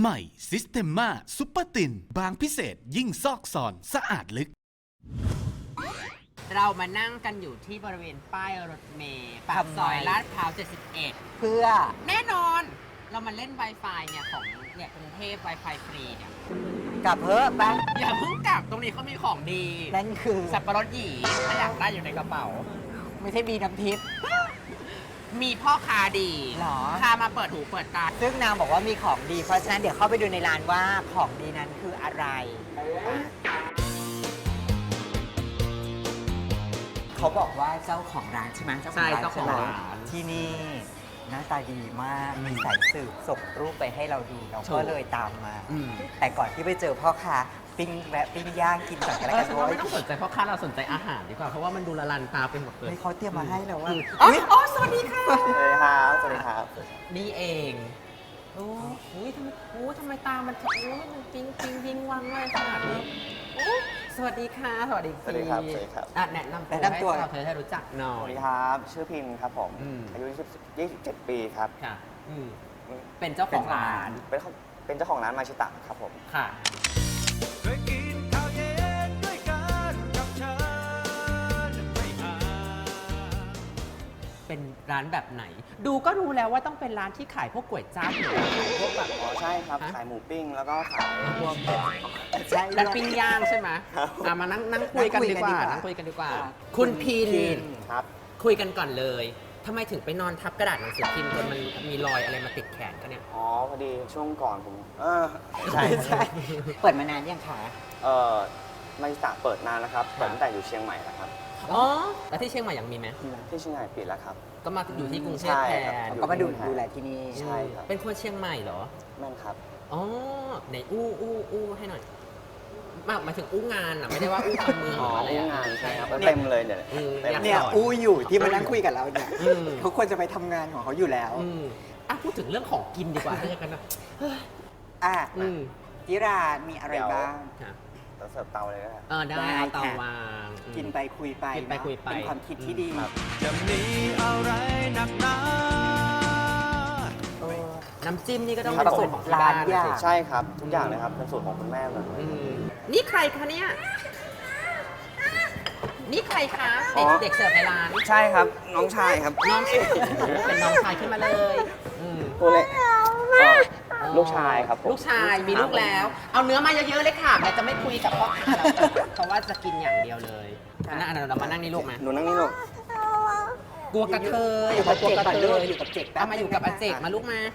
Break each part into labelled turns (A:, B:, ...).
A: ใหม่ซิสเ e ม a ซุปเปอร์ตินบางพิเศษยิ่งซอกซอนสะอาดลึก
B: เรามานั่งกันอยู่ที่บริเวณป้ายรถเมล์ปากซอยลาดพร้าว 71
C: เพื่อ
B: แน่นอน เรามาเล่น Wi-Fi เนี่ยของเนี่ยกรุงเทพ Wi-Fi ฟรีเนี่ย
C: กลับเพิ่มปะ
B: อย่าเพิ่งกลับตรงนี้เขามีของดี
C: นั่นคือ
B: สับปะรดหยีถ้าอยากได้อยู่ในกระเป๋า
C: ไม่ใช่มีน้ำทิพย์
B: มีพ่อค้าดี
C: หรอ
B: พามาเปิดหูเปิดตา
C: ซึ่งนางบอกว่ามีของดี เพราะฉะนั้นเดี๋ยวเข้าไปดูในร้านว่าของดีนั้นคืออะไรเขาบอกว่าเจ้าของร้านใช่ไหม
B: ใช่เจ้าของร้าน
C: ที่นี่หน้าตาดีมากมีสายสืบส่งรูปไปให้เราดูเราก็เลยตามมา แต่ก่อนที่ไปเจอพ่อค้าปิ้งแวะปิ้งย่างกินก่อนกันแล้วกัน
B: ฉันว่าไม่ต้องสนใจพ่อค้าเราสนใจอาหารดีกว่าเพราะว่ามันดูละลันตาไปหมดเลย
C: ให้เขาเตรียมมาให้แล้วว่า
B: อ๋อสวัสดีค่ะ
D: สวัสดีครับ สวัสดีครับ
B: นี่เองโอ้ยทำไมตามันโอ้ยมันปิ๊งวิงวังเลยขนาดนี้โอ้สวัสดีค่ะ สวัสดี
D: สวัสดีครับสวัสดีครับ
B: อ่ะแนะนำตัวให้เราเธอให้รู้จักหน่อ
D: สวั
B: ย
D: สดีครับ ชื่อพิมพ์ครับผม อายุ27 ปีครับ
B: ค่ะเป็นเจ้าของร้าน
D: เป็นเจ้าของร้านมาชิตะครับผม
B: ค่ะ
E: เคยกินข้าวเย็นด้วยกันกับเชิญไปหา
B: เป็นร้านแบบไหน ดูก็รู้แล้วว่าต้องเป็นร้านที่ขายพวกก๋วยจั๊บหรือว่าขายพวกแบบ
D: อ๋อ ใช่ครับ
B: ฮะ
D: ขายหมูปิ้ง แล้วก็ขาย
B: พวก
C: ใช่
B: ร้านปิ้งย่างใช่ไหม
D: ครับ
B: มานั่งคุยกันดีกว่านั่งคุยกันดีกว่า คุณพิน
D: ครับ
B: คุยกันก่อนเลยทำไมถึงไปนอนทับกระดาษหนังสือพิมพ์จนมันมีรอยอะไรมาติดแขนกันเนี่ย
D: อ๋อ พอดีช่วงก่อนผม ใช่
C: ใช่เปิดมานานยังคะ
D: มาชิตะเปิดนานแล้วครับ เปิดตั้งแต่อยู่เชียงใหม่แล้วครับ
B: อ๋อ แล้วที่เชียงใหม่ยังมีไหม
D: ที่เชียงใหม่ปิดแล้วครับ
B: ก็มาอยู่ที่กรุงเทพ
D: ใช่
B: แท
D: ครับ
B: น
C: ก็มาดูแลที่นี่
D: ใช่ครับ
B: เป็นคนเชียงใหม่เหรอ
D: แม่นครับ
B: อ๋อไหนอู้ให้หน่อยหมายถึงอู้งานอ่ะไม่ได้ว่าอู้คำเมือง
D: อ๋อ
B: อะไร
D: อู้
B: อ่ะ
D: งานใช่ครับเต็มเลยเนี่ย เต็ม
B: อยาก
C: เนี่ย
B: สอน
C: อู้อยู่ที่มานั่งคุยกับเราเนี่ย
B: อืม
C: เขาควรจะไปทำงานของเขาอยู่แล้ว
B: พูดถึงเรื่องของกินดีกว่าถ้าอย่างนั้นนะ
C: อ่ะ
B: อืม
C: ที่ร้านมีอะไรบ้าง
B: ค่ะ
D: แล้วเสิร์ฟเตาเลยนะครับ
B: ได้
C: ได้
B: เอาเตา
C: ค่ะ
B: วางอืม
C: กินไปคุยไป
B: กินไป
C: เอะ
B: คุยไป
C: เป็นความคิดที่ดี
D: ครับ
E: จะมีอะไรหนักหนา
C: เออ
B: น้ำจิ้มนี่ก็ต้อง
D: ครับ
B: เป็นสูตรของที่บ้าน
C: ร้านยาก
B: สิ
D: ใช่ครับ ทุกอย่างเลยครับ เป็นสูตรของคุณแม่เลย
B: นี่ใครคะเนี่ย นี่ใครคะ
D: อ๋อ
B: เด็กเสิร์ฟในร้าน
D: ใช่ครับ น้องชายครับ
B: น้องชายเป็นน้องชายขึ้นมาเลยอืม
D: ตัวเล็กลูกชายครับผม
B: ลูกชายมีลูกแล้ว เอาเนื้อมาเยอะๆเลยค่ะแต่จะไม่คุยกับพ่อค้าแล้วเพราะว่าจะกินอย่างเดียวเลยอันนั้นเรามานั่งนี่ลูกไหม
D: หนูนั่งนี่ลูก
B: กลัวกระเทย
C: อยู่กับ
B: กลัว
C: เจก
B: กระ
C: ก่อน
B: เท
C: ลูก
B: ย
C: อยู่กับเจกแป๊บ
B: เอามาอยู่กับอาเจกมาลูกมา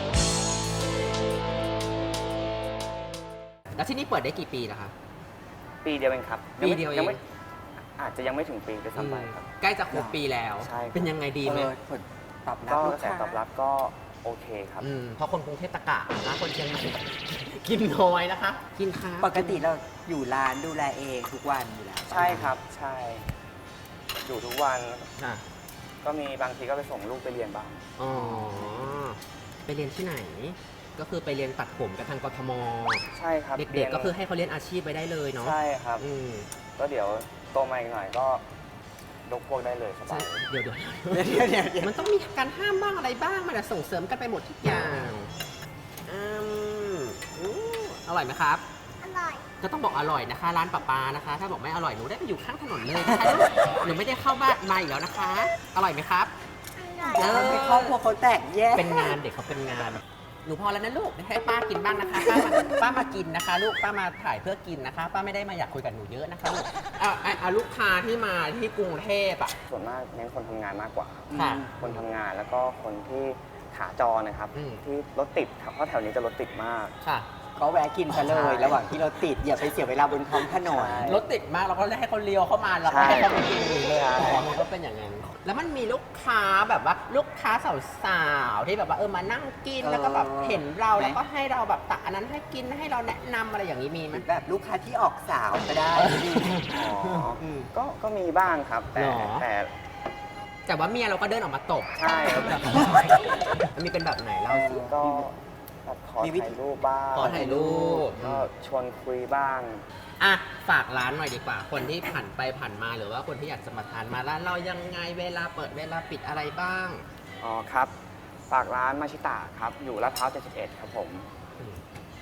B: แล้วที่นี่เปิดได้กี่ปีแล้วคะ
D: ปีเดียวเองครับ
B: ปีเดียวเอง
D: งไม่อาจจะยังไม่ถึงปีด้วยซ้ำไปครับ
B: ใกล้จะครบปีแล้ว
D: ใช่ครับ
B: เป็นยังไงดีไหม
C: ผลตอบรับ
D: ก็
C: ลู
D: ก
C: ก
D: ระแส
C: ค้า
D: ตอบรับก็โอเคครับ
B: เพราะคนกรุงเทพตะกะนะคนเชียงใหม่ กินน้อยนะคะ กินค้า
C: ปกติเราอยู่ร้านดูแลเองทุกวันอยู่แล้ว
D: ใช่ครับ ใช่ อยู่ทุกวัน
B: ค่ะ
D: ก็มีบางทีก็ไปส่งลูกไปเรียนบ้าง
B: อ๋อ ไปเรียนที่ไหน ก็คือไปเรียนตัดผมกับทางกทม
D: ใช่ครับ
B: เด็กๆก็คือให้เขาเรียนอาชีพไปได้เลยเนาะ
D: ใช่ครับ
B: อืม
D: ก็เดี๋ยวโตมาอีกหน่อยก็ยกพวกได้เลยสบาย
B: เดี๋ยว
C: เดี๋ยว
B: มันต้องมีการห้ามบ้างอะไรบ้าง มันจะส่งเสริมกันไปหมดทุกอย่างอืมอู้อร่อยไหมครับ
F: อร่อย
B: ก็ต้องบอกอร่อยนะคะ ร้านปานะคะ ถ้าบอกไม่อร่อยหนูได้ไปอยู่ข้างถนนเลยนะคะ หนูไม่ได้เข้าบ้านมาอีกแล้วนะคะ อร่อยไหมครับ
F: อร่อย
C: ทำให้ครอบครัวเขาแตกแยก
B: เป็นงานเด็กเขาเป็นงาน หนูพอแล้วนะลูกให้ป้ากินบ้างนะคะ ป้ามากินนะคะ ลูกป้ามาถ่ายเพื่อกินนะคะ ป้าไม่ได้มาอยากคุยกับหนูเยอะนะคะลูกเอาลูกค้าที่มาที่กรุงเทพอ่ะ
D: ส่วนมากเน้นคนทำงานมากกว่า
B: ค่ะ
D: คนทำงานแล้วก็คนที่ขาจรนะครับ
B: อืม
D: ที่รถติดครับเพราะแถวนี้จะรถติดมาก
B: ค่ะ
C: ก็แวะกินซะเลย ระหว่างที่เราติดอย่าไปเสียเวลาบนท้องถนน
D: ใช่
B: รถติดมากเราก็ให้เขาเลี้ยวเข้ามาเราก็ให้เขาไปกินเลย
D: ใช่
B: มันก็เป็นอย่างนั้น แล้วมันมีลูกค้าแบบว่าลูกค้าสาวๆที่แบบว่ามานั่งกินแล้วก็แบบเห็นเราแล้วก็ให้เราแบบตักอันนั้นให้กินให้เราแนะนำอะไรอย่างนี้มีไหม
C: แบบลูกค้าที่ออกสาวก็ได้
D: อ๋อก็มีบ้างครับ แต่
B: หรอ
D: แต่
B: แต่ว่าเมียเราก็เดินออกมาตบ
D: ใช่ครับ
B: มันมีเป็นแบบไหนเล่าสิ
D: ก็แบบขอถ่ายรูปบ้าง
B: ขอถ่ายรูป
D: ก็ชวนคุยบ้าง
B: อ่ะฝากร้านหน่อยดีกว่า คนที่ผ่านไปผ่านมาหรือว่าคนที่อยากจะมาทานมาร้านเรายังไงเวลาเปิดเวลาปิดอะไรบ้าง
D: อ๋อครับ ฝากร้านมาชิตะครับ อยู่ลาดพร้าว 71 ครับผม
B: อ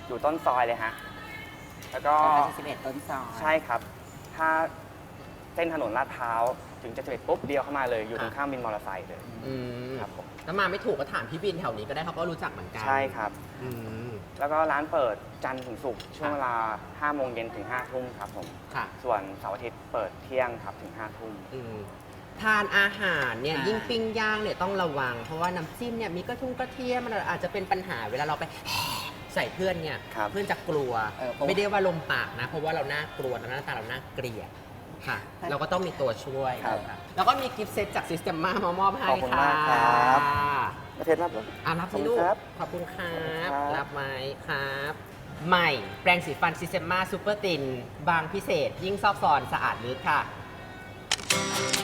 D: อยู่ต้นซอยเลยฮะ แล้วก็
C: 11 ต้นซอย
D: ใช่ครับ ถ้าเส้นถนนลาดพร้าวถึงจะ11ปุ๊บเดียวเข้ามาเลย อยู่ตรงข้ามวินมอเตอร์ไซค์เลย
B: อืม
D: ครับผม
B: ถ้ามาไม่ถูกก็ถามพี่บินแถวนี้ก็ได้เขาก็รู้จักเหมือนกัน
D: ใช่ครับ
B: อืม
D: แล้วก็ร้านเปิดจันทร์ถึงศุกร์ช่วงเวลา5 โมงเย็นถึง5 ทุ่มครับผม
B: ค่ะ
D: ส่วนเสาร์อาทิตย์เปิดเที่ยงครับถึง5 ทุ่ม
B: อืมทานอาหารเนี่ย
C: ค่ะ
B: ยิ่งปิ้งย่างเนี่ยต้องระวัง เพราะว่าน้ำจิ้มเนี่ยมีกระเทียมมันอาจจะเป็นปัญหาเวลาเราไปใส่เพื่อนเนี่ย
D: ครับ
B: เพื่อนจะกลัว ไม่ได้ว่าลมปากนะ เพราะว่าเราน่ากลัวนะหน้าตาเราน่าเกลียดค่ะ เราก็ต้องมีตัวช่วย
D: ครับ
B: ค่ะแล้วก็มีกิฟต์เซตจากซิสเต็มมามามอบให้
D: ขอบคุณ
B: ค่ะ
D: มากครับ ประเทศรับเลย
B: รับ
D: ขอบ
B: สิ
D: คุณ
B: ลูก
D: ครับ
B: ขอบคุณครับ
D: ขอบคุณครับ
B: รับไหมครับ ใหม่แปรงสีฟันซิสเต็มมาซูเปอร์ตินบางพิเศษ ยิ่งซอกซอนสะอาดลึกค่ะ